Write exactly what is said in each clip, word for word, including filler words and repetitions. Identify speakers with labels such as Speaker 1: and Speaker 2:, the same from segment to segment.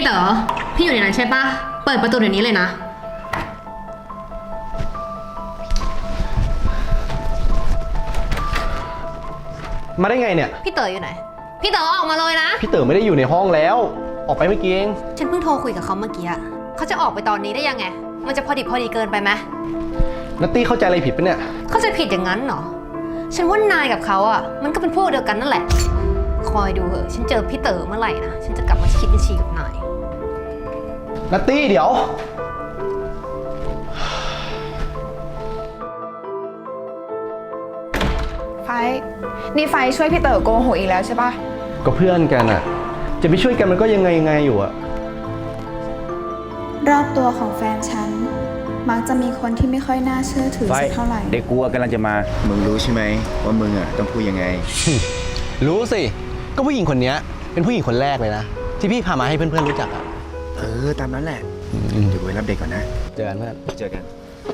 Speaker 1: เต๋อพี่อยู่ในนั้นใช่ปะเปิดประตูเดี๋ยวนี้เลยนะ
Speaker 2: มาได้ไงเนี่ย
Speaker 1: พี่เต๋ออยู่ไหนพี่เต๋อออกมาเลยนะ
Speaker 2: พี่เต๋อไม่ได้อยู่ในห้องแล้วออกไปเมื่อกี้เอง
Speaker 1: ฉันเพิ่งโทรคุยกับเขาเมื่อกี้อะเขาจะออกไปตอนนี้ได้ยังไงมันจะพอดีพอดีเกินไปไหม
Speaker 2: นัตตี้เข้าใจอะไรผิดปะเนี่ย
Speaker 1: เข้าใจผิดอย่างนั้นเหรอฉันว่านายกับเขาอะมันก็เป็นพวกเดียวกันนั่นแหละคอยดูเหอะฉันเจอพี่เต๋อเมื่อไหร่นะฉันจะกลับมาคิดบัญชีกับนาย
Speaker 2: นัตตี้เดี๋ยว
Speaker 3: ไฟนี่ไฟช่วยพี่เต๋อโกหกอีกแล้วใช่ปะ
Speaker 2: ก็เพื่อนกันอะจะไปช่วยกันมันก็ยังไงยังไงอยู่อะ
Speaker 3: รอบตัวของแฟนฉันมักจะมีคนที่ไม่ค่อยน่าเชื่อถือสักเท่าไหร่
Speaker 4: เด็กกลัวกำลังจะมามึงรู้ใช่ไหมว่ามึงอ่ะต้องพูดยังไง
Speaker 2: รู้สิก็ผู้หญิงคนนี้เป็นผู้หญิงคนแรกเลยนะที่พี่พามาให้เพื่อนๆรู้จักอะ
Speaker 4: เออตามนั้นแหละเดี๋ยวกูไปรับเด็กก่อนนะ
Speaker 2: เจอกันเพื่อน
Speaker 4: เจอกัน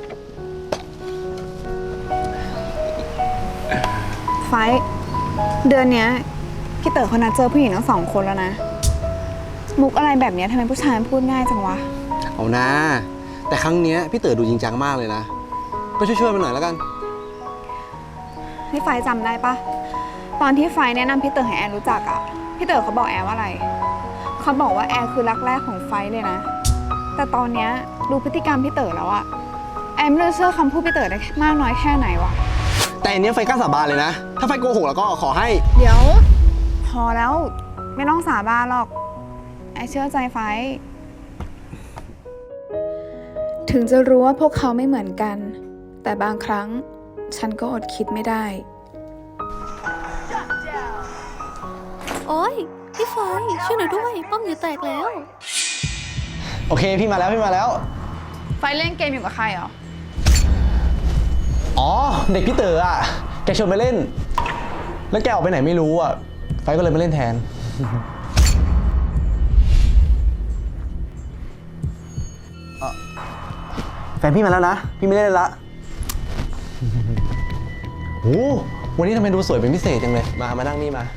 Speaker 3: ไฟเดือนเนี้ยพี่เต๋อเขานัดเจอผู้หญิงทั้งสองคนแล้วนะมุกอะไรแบบนี้ทำไมผู้ชายพูดง่ายจังวะ
Speaker 2: เอานะแต่ครั้งนี้พี่เต๋อดูจริงจังมากเลยนะก็ช่วยๆมันหน่อยแล้วกัน
Speaker 3: ให้ไฟจำได้ปะตอนที่ไฟแนะนำพี่เต๋อให้แอนรู้จักอะพี่เต๋อเขาบอกแอนว่าอะไรเขาบอกว่าแอนคือรักแรกของไฟเลยนะแต่ตอนเนี้ยดูพฤติกรรมพี่เต๋อแล้วอะแอนไม่รู้เชื่อคำพูดพี่เต๋อได้มากน้อยแค่ไหนวะ
Speaker 2: แต่อันนี้ไฟกล้าสาบานเลยนะถ้าไฟโกหกแล้วก็ขอให้
Speaker 3: เดี๋ยวพอแล้วไม่ต้องสาบานหรอกแอนเชื่อใจไฟถึงจะรู้ว่าพวกเขาไม่เหมือนกันแต่บางครั้งฉันก็อดคิดไม่ได้
Speaker 1: โอ๊ยพี่ไฟช่วยหน่อยด้วยป้อมอยู่แตกแล้ว
Speaker 2: โอเคพี่มาแล้วพี่มาแล้ว
Speaker 3: ไฟเล่นเกมอยู่กับใครเหรอ
Speaker 2: อ๋อเด็กพี่เต๋ออ่ะแกชวนไปเล่นแล้วแกออกไปไหนไม่รู้อ่ะไฟก็เลยมาเล่นแทนแฟนพี่มาแล้วนะพี่ไม่เล่นละโอ้วันนี้ทำไมดูสวยเป็นพิเศษจังเลยมามานั่งนี่มา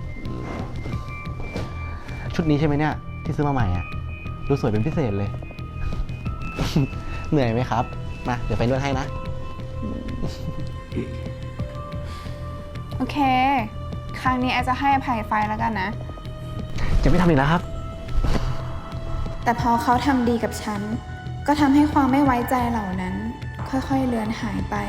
Speaker 2: ชุดนี้ใช่ไหมเนี่ยที่ซื้อมาใหม่อ่ะดูสวยเป็นพิเศษเลย เหนื่อยไหมครับมาเดี๋ยวไฟนวดให้นะ
Speaker 3: โอเคครั้งนี้แอจะให้อภัยไฟแล้วกันนะ
Speaker 2: จะไม่ทำอีกแล้วครับ
Speaker 3: แต่พอเขาทำดีกับฉันก็ทำให้ความไม่ไว้ใจเหล่านั้นค่อยๆเลือนหายไป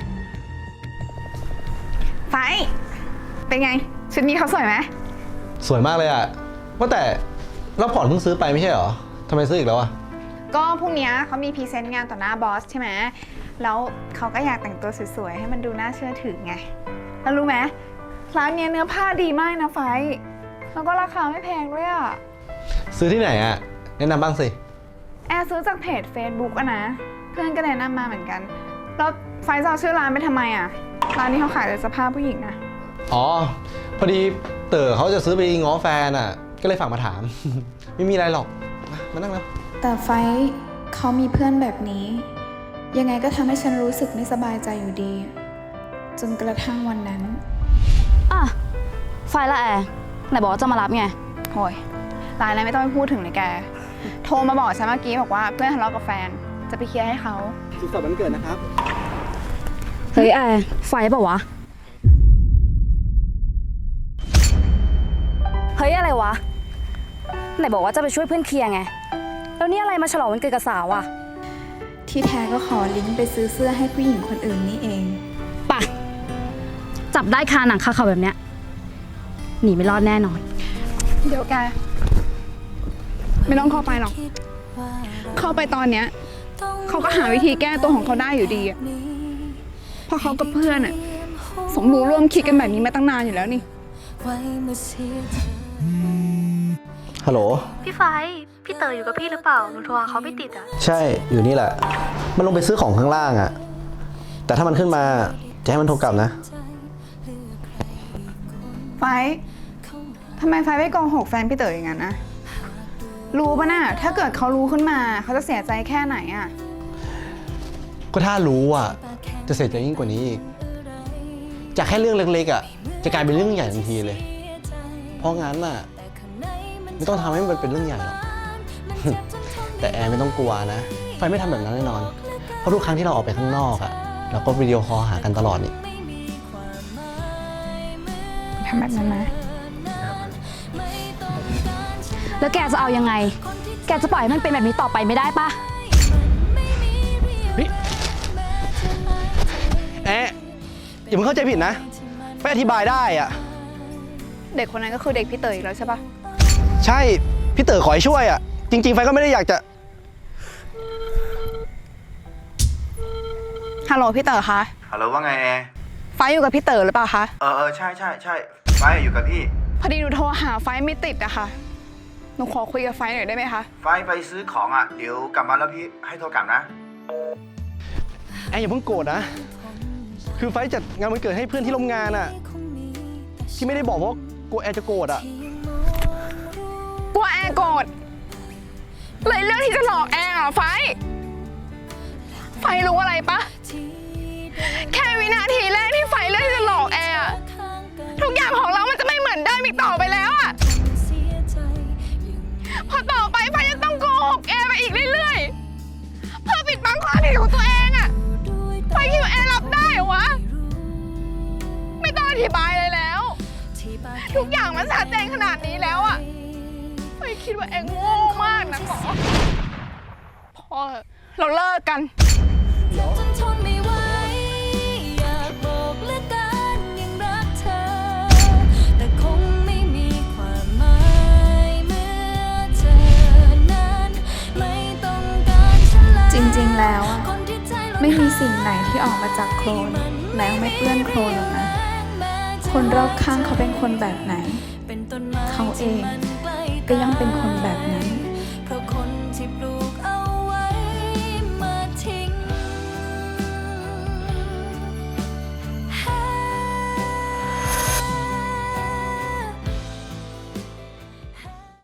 Speaker 3: ไฟเป็นไงชุดนี้เขาสวยไหม
Speaker 2: สวยมากเลยอะว่าแต่เราผ่อนเพิ่งซื้อไปไม่ใช่เหรอทำไมซื้ออีกแล้วอะ
Speaker 3: ก็พรุ่งนี้เขามีพรีเซนต์งานต่อหน้าบอสใช่ไหมแล้วเขาก็อยากแต่งตัวสวยๆให้มันดูน่าเชื่อถือไงแล้วรู้ไหมร้านนี้เนื้อผ้าดีมากนะไฟแล้วก็ราคาไม่แพงด้วยอะ
Speaker 2: ซื้อที่ไหนอะแนะนำบ้างสิ
Speaker 3: แอร์ซื้อจากเพจ Facebook อะนะเพื่อนก็แนะนำมาเหมือนกันแล้วไฟจะเอาชื่อร้านไปทำไมอะร้านนี้เขาขายแต่เสื้อผ้าผู้หญิงนะ
Speaker 2: อ๋อพอดีเต๋อเขาจะซื้อไปง้อแฟนอะก็เลยฝากมาถาม ไม่มีอะไรหรอกมานั่งแล้ว
Speaker 3: แต่ไฟเขามีเพื่อนแบบนี้ยังไงก็ทำให้ฉันรู้สึกไม่สบายใจอยู่ดีจนกระทั่งวันนั้น
Speaker 5: อ่ะไฟละแอร์ไหนบอกว่าจะมารับไง
Speaker 3: โอยรายอะไรไม่ต้องไปพูดถึงเลยแกโทรมาบอกฉันเมื่อกี้บอกว่าเพื่อนทะเลาะกับแฟนจะไปเคลียร์ให้เขา
Speaker 2: สุขสันต์วันเกิดนะครับ
Speaker 5: เฮ้ยแอร์ไฟเปล่าวะเฮ้ยอะไรวะไหนบอกว่าจะไปช่วยเพื่อนเคลียร์ไงแล้วนี่อะไรมาฉลองวันเกิดกับสาวอะ
Speaker 3: ที่แท้ก็ขอลิงก์ไปซื้อเสื้อให้ผู้หญิงคนอื่นนี่เอง
Speaker 5: ป่ะจับได้คาหนังคาเขาแบบเนี้ยหนีไม่รอดแน่นอน
Speaker 3: เดี๋ยวแกไม่ต้องเข้าไปหรอกเข้าไปตอนเนี้ยเขาก็หาวิธีแก้ตัวของเขาได้อยู่ดีอะเพราะเขากับเพื่อนอะสมรู้ร่วมคิดกันแบบนี้มาตั้งนานอยู่แล้วนี่
Speaker 2: ฮัลโหล
Speaker 1: พี่ไฟพี่เต๋ออยู่กับพี่หรือเปล่าหนูโทรหาเขาไม่ติดอะ
Speaker 2: ใช่อยู่นี่แหละมันลงไปซื้อของข้างล่างอะแต่ถ้ามันขึ้นมาจะให้มันโทรกลับนะ
Speaker 3: ไฟทำไมไฟไม่โกหกแฟนพี่เต๋ออย่างนั้นนะรู้ปะน่ะถ้าเกิดเขารู้ขึ้นมาเขาจะเสียใจแค่ไหนอะ
Speaker 2: ก็ถ้ารู้อ่ะจะเสียใจยิ่งกว่านี้อีกจากแค่เรื่องเล็กๆอ่ะจะกลายเป็นเรื่องใหญ่ทันทีเลยเพราะงั้นอ่ะไม่ต้องทำให้มันเป็นเรื่องใหญ่หรอกแต่แอร์ไม่ต้องกลัวนะ ไฟไม่ทำแบบนั้นแน่นอน เพราะทุกครั้งที่เราออกไปข้างนอกอะเราก็วิดีโอคอลหากันตลอดนี่
Speaker 3: ทำแบบนั้นนะ
Speaker 5: แล้วแกจะเอายังไง แกจะปล่อยให้มันเป็นแบบนี้ต่อไปไม่ได้ปะ
Speaker 2: เฮ้ยแอะอย่าเพิ่งเข้าใจผิดนะไฟอธิบายได้อะ
Speaker 3: เด็กคนนั้นก็คือเด็กพี่เต๋ออีกแล้วใช่ปะ
Speaker 2: ใช่ พี่เต๋อขอให้ช่วยอะจริงๆ ไฟก็ไม่ได้อยากจะ
Speaker 3: ฮัลโหลพี่เต๋อคะ
Speaker 4: ฮัลโหลว่าไงแอร์
Speaker 3: ไฟอยู่กับพี่เต๋อหรือเปล่าคะ
Speaker 4: เออเออใช่ใช่ใช่ไฟอยู่กับพี่
Speaker 3: พอดีหนูโทรหาไฟไม่ติดอะค่ะ หนูขอคุยกับไฟหน่อยได้ไหมคะ
Speaker 4: ไฟไปซื้อของอ่ะ เดี๋ยวกลับมาแล้วพี่ให้โทรกลับนะ
Speaker 2: แอร์อย่าเพิ่งโกรธนะ คือไฟจัดงานวันเกิดให้เพื่อนที่ร่วมงานอะที่ไม่ได้บอกเพราะกลัวแอร์จะโกรธอะ
Speaker 3: กลัวแอร์โกรธเลยเรื่องที่จะหลอกแอร์อะไฟ ไฟรู้อะไรปะ แค่วินาทีแรกที่ไฟเลือกที่จะหลอกแอร์อะทุกอย่างของเรามันจะไม่เหมือนเดิมอีกต่อไปแล้วอะพอต่อไปไฟจะต้องโกหกแอร์ไปอีกเรื่อยๆเพื่อปิดบังความผิดของตัวเองอะไฟคิดว่าแอร์รับได้เหรอวะ ไม่ต้องอธิบายเลยแล้ว ทุกอย่างมันชัดเจนขนาดนี้แล้วอะไฟคิดว่าแอร์โง่มากนะหมอพอเราเลิกกัน
Speaker 6: จนทนไม่ไหวอยากบอกเหลือเกินยังรักเธอ แต่คงไม่มีความหมายเมื่อเธอนั้นไม่ต้องการฉันเลย
Speaker 3: จริงๆแล้วอะ
Speaker 6: คนที่ใจเรา
Speaker 3: ไม่มีสิ่งไหนที่ออกมาจากโคลนแล้วไม่เปื้อนโคลนหรอกนะ คนรอบข้างเขาเป็นคนแบบไหน
Speaker 6: เป็นต้นไม้
Speaker 3: เขาเอง
Speaker 6: ที่มันใกล้
Speaker 3: ก็ยังเป็นคนแบบนั้น